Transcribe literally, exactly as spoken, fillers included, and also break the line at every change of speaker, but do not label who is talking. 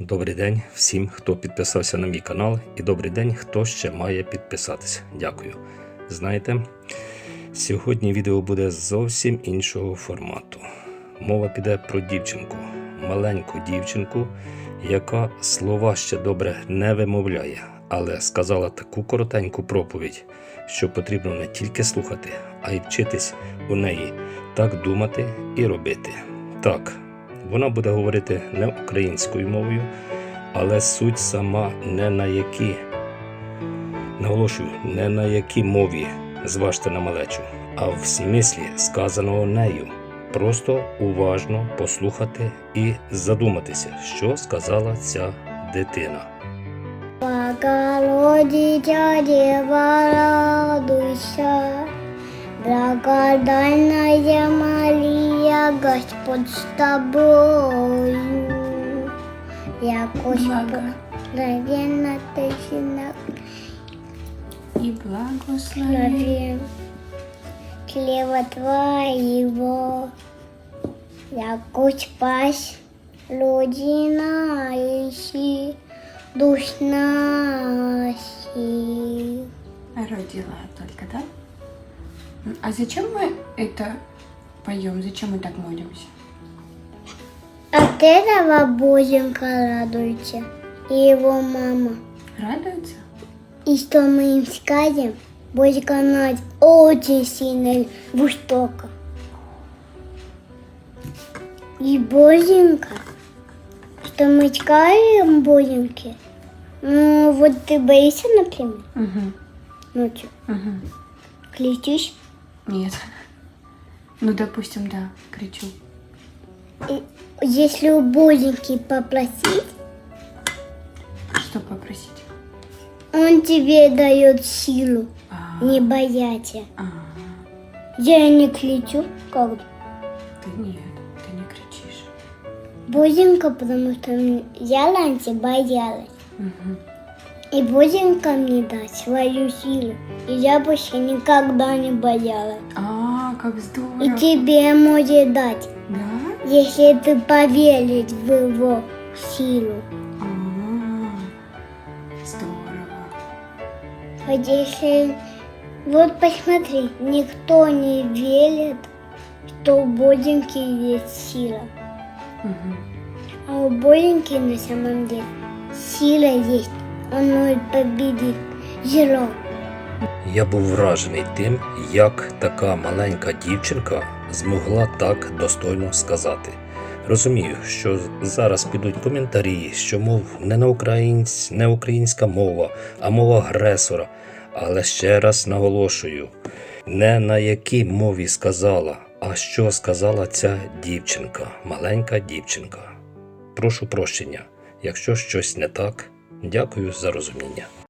Добрий день всім, хто підписався на мій канал, і добрий день, хто ще має підписатися. Дякую. Знаєте, сьогодні відео буде зовсім іншого формату. Мова піде про дівчинку, маленьку дівчинку, яка слова ще добре не вимовляє, але сказала таку коротеньку проповідь, що потрібно не тільки слухати, а й вчитись у неї так думати і робити. Так, вона буде говорити не українською мовою, але суть сама не на якій, наголошую, не на якій мові, зважте на малечу, а в смислі сказаного нею. Просто уважно послухати і задуматися, що сказала ця дитина.
Богородиця, Дева, радуйся, благодатная Мария, Господь с тобою. Якось благословенна ты сына,
И благослови
благословен чрева твоего, якось пасть родина ищи душ наших.
родила только, да? А зачем мы это поем? Зачем мы так молимся?
От этого Боженька радуется и его мама.
Радуется?
И что мы им скажем, Боженька нас очень сильно жестоко. И Боженька, что мы скажем Боженьке, ну вот ты боишься, например,
Угу.
ночью,
Угу.
кричишь,
Нет. Ну, допустим, да, кричу.
и если у Боженьки попросить,
Что попросить?
он тебе дает силу
А,
не бояться.
а,
Я не кричу, как
ты нет, ты не кричишь.
Боженька, потому что я раньше боялась.
Угу.
И Боженька мне даст свою силу. И я больше никогда не боялась.
А, как здорово.
И тебе может дать,
Да?
если ты поверишь в его силу.
А, здорово.
Вот если... Вот посмотри, никто не верит, что у Боженьки есть сила.
Угу.
А у Боженьки на самом деле сила есть. Он может победить зло.
Я був вражений тим, як така маленька дівчинка змогла так достойно сказати. Розумію, що зараз підуть коментарі, що, мов, не на українсь, не українська мова, а мова агресора. Але ще раз наголошую, не на якій мові сказала, а що сказала ця дівчинка, маленька дівчинка. Прошу прощення, якщо щось не так. Дякую за розуміння.